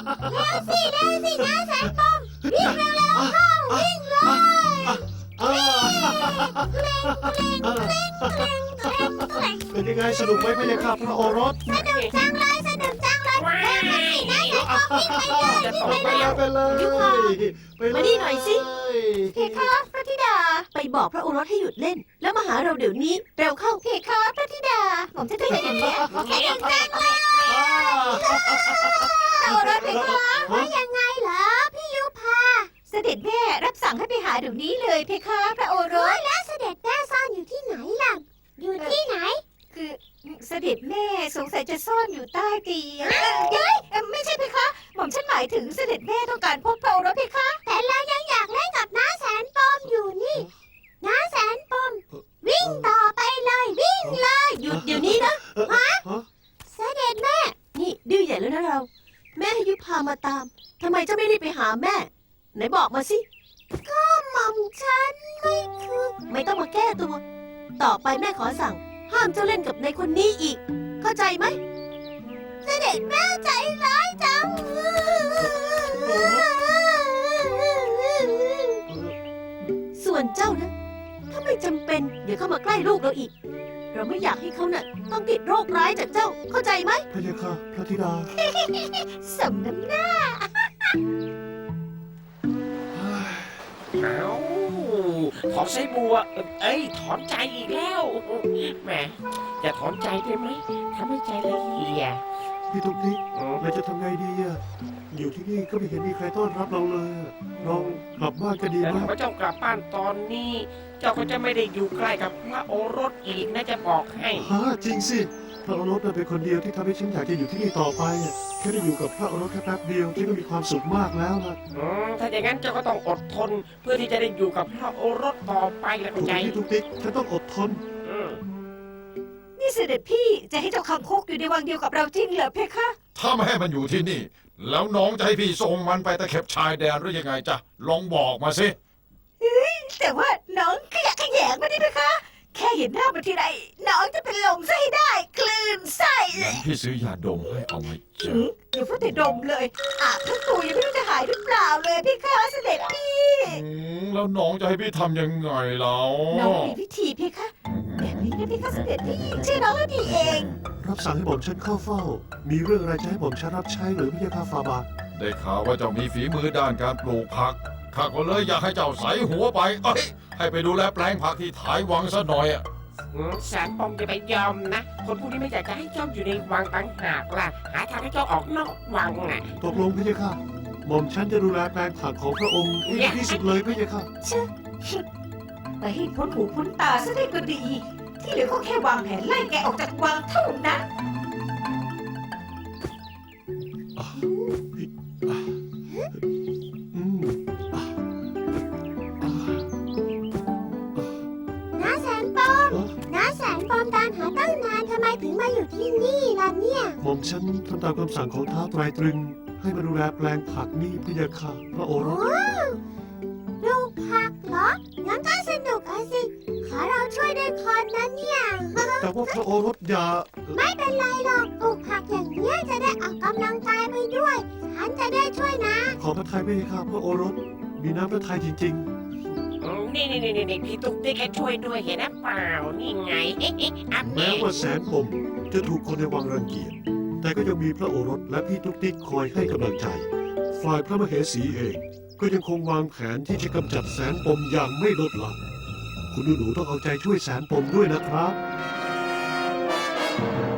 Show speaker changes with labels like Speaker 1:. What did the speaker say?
Speaker 1: สินะแสนปมวิ่งเร็วๆเข้าวิ่งเลย
Speaker 2: เป็นยังไงสนุกไหมพะยะค่ะพระโอรส
Speaker 1: สนุกจังเลยนะแสนปมวิ่งไปเลย
Speaker 2: ไปเลยไปเลย
Speaker 3: มานี่หน่อยสิ
Speaker 1: เพคะพระธิดา
Speaker 3: ไปบอกพระโอรสให้หยุดเล่น แล้วมาหาเราเดี๋ยวนี้เร็วเข้า
Speaker 1: เพคะพระธิดาผมจะทำอย่างนี้สนุกจังเลยพระโอรสเพคะว่ายังไงเหรอพี่ยุพาเสด็จแม่รับสั่งให้ไปหาเดี๋ยวนี้เลยเพคะพระโอรสแล้วเสด็จแม่ซ่อนอยู่ที่ไหนล่ะอยู่ที่ไหนคือเสด็จแม่สงสัยจะซ่อนอยู่ใต้เตียงไม่ใช่เพคะหม่อมฉันหมายถึงเสด็จแม่ต้องการพบพระโอรสเพคะแต่เรายังอยากเล่นกับน้าแสนปมอยู่นี่น้าแสนปมวิ่งต่อไปเลยวิ่งเลย
Speaker 3: หยุดเดี๋ยวนี้นะ
Speaker 1: เสด็จแม่
Speaker 3: นี่ดื้อใหญ่แล้วนะเรา แม่ให้ยุพามาตามทำไมเจ้าไม่รีบไปหาแม่ ไหนบอกมาสิ
Speaker 1: หม่อมฉันไม่คือ
Speaker 3: ไม่ต้องมาแก้ตัว ต่อไปแม่ขอสั่ง ห้ามเจ้าเล่นกับในคนนี้อีก เข้าใจไหม
Speaker 1: เสด็จแม่ใจร้ายจัง
Speaker 3: ส่วนเจ้านะ ถ้าไม่จำเป็นอย่าเข้ามาใกล้ลูกเราอีก เราไม่อยากให้เขาน่ะต้องติดโรคร้ายจากเจ้า เข้าใจไหม
Speaker 2: พะยะค่ะพระธิดา
Speaker 1: สมน้ำหน้า
Speaker 4: เอาถอนไส้บัว เอ้ย ถอนใจอีกแล้วแหมอย่าถอนใจได้ไหมทำให้ใจละเอียด
Speaker 2: พี่ตุ๊กติ๊กเราจะทำไงดีอะอยู่ที่นี่ก็ไม่เห็นมีใครต้อนรับเราเลยอะเรากลับบ้านก็ดี
Speaker 4: แต่
Speaker 2: มาก
Speaker 4: พระเจ้ากลับบ้านตอนนี้ เจ้าก็จะไม่ได้อยู่ใกล้กับพระโอรสอีกนะจะบอกให้
Speaker 2: ฮะจริงสิพระโอรสเป็นคนเดียวที่ทำให้ฉันอยากจะอยู่ที่นี่ต่อไปอะแค่ได้อยู่กับพระโอรสแค่แป๊บเดียวที่ก็มีความสุขมากแล้วนะ
Speaker 4: ถ้าอย่างนั้นเจ้าก็ต้องอดทน เพื่อที่จะได้อยู่กับพระโอรสต่อไปแล้ว
Speaker 2: ถู
Speaker 4: เข้าก ใจ
Speaker 2: พี่ตุ๊กติ๊กฉันต้องอดทน
Speaker 4: อืม
Speaker 3: นี่เสด็จพี่จะให้เจ้าคังคกอยู่ในวังเดียวกับเราจริงเหรอเพคะ
Speaker 5: ถ้าไม่ให้มันอยู่ที่นี่ แล้วน้องจะให้พี่ส่งมันไปตะเข็บชายแดนหรือยังไงจ๊ะลองบอกมาสิ
Speaker 3: แต่ว่าน้องขยะแขยงมาดิเพคะ แค่เห็นหน้ามันทีไรน้องจะเป็นลมไส้ได้คลื่นไส้
Speaker 5: งั้นพี่ซื้อยาดมให้เอาไหมจ๊ะ
Speaker 3: อย่าพูดแต่ดมเลยอาบทั้งตัวยังไม่รู้จะหายหรือเปล่าเลยพี่คะเสด็จพี่
Speaker 5: แล้วน้องจะให้พี่ทำยังไงแล้ว
Speaker 3: น้องมีวิธีพี่คะแบบนี้นะพี่คะเสด็จพี่ชื่อน้องแล้วดีเอง
Speaker 2: รับสั่งให้ผมฉันเข้าเฝ้า มีเรื่องอะไรจะให้ผมฉันรับใช้หรือพระยาค่ะฟาบาท
Speaker 5: ได้ข่าวว่าเจ้ามีฝีมือด้านการปลูกผักข้าก็เลยอยากให้เจ้าใส่หัวไปเอ้ยให้ไปดูแลแปลงผักที่ถ่ายวังซะหน่อยอะ
Speaker 4: แสนปมจะไปยอมนะ คนพวกนี้ไม่อยากจะให้เจ้าอยู่ในวังต่างหากล่ะ หาทางให้เจ้าออกนอกวังน่ะ
Speaker 2: ตกลงพระยาค่ะหม่อมฉันจะดูแลแปลงผักของพระองค์ให้ดีที่สุดเลยพระยาค่ะ
Speaker 3: ไปให้พ้นหูพ้นตาซะได้ก็ดี ที่เหลือก็แค่วางแผนไล่แกออกจากวังเท่านั้น
Speaker 2: อืม
Speaker 1: น้าแสนปมน้าแสนปมตามหาตั้งนานทำไมถึงมาอยู่ที่นี่ล่ะเนี่ย
Speaker 2: หม่อมฉันทำตามคำสั่งของท้าวไตรตรึง ให้มาดูแลแปลงผักนี่พระยาค่ะพระโอร
Speaker 1: โอ้
Speaker 2: ส
Speaker 1: ลูกผักเหรอ งั้นก็สนุกอะสิ ขอเราช่วยด้วยคนนะเนี่ย
Speaker 2: แต่ว่าพระโอรสอย่า
Speaker 1: ไม่เป็นไรหรอกปลูกผักอย่างนี้ยจะได้ออกกำลังกายไปด้วย ฉันจะได้ช่วยนะ
Speaker 2: ขอพระทัยพระยาค่ะพระโอรส มีน้ำพระทัยจริง
Speaker 4: นี่พี่ตุ๊กติ๊กแกช่วยด้วยเห็นนะเปล่า นี่ไงอัพ
Speaker 2: ๆ แม้ว่าแสนปมจะถูกคนในวังรังเกียจ แต่ก็ยังมีพระโอรสและพี่ตุ๊กติ๊กคอยให้กำลังใจ ฝ่ายพระมเหสีเอง ก็ยังคงวางแผนที่จะกำจัดแสนปมอย่างไม่ลดละคุณหนูๆต้องเอาใจช่วยแสนปมด้วยนะครับ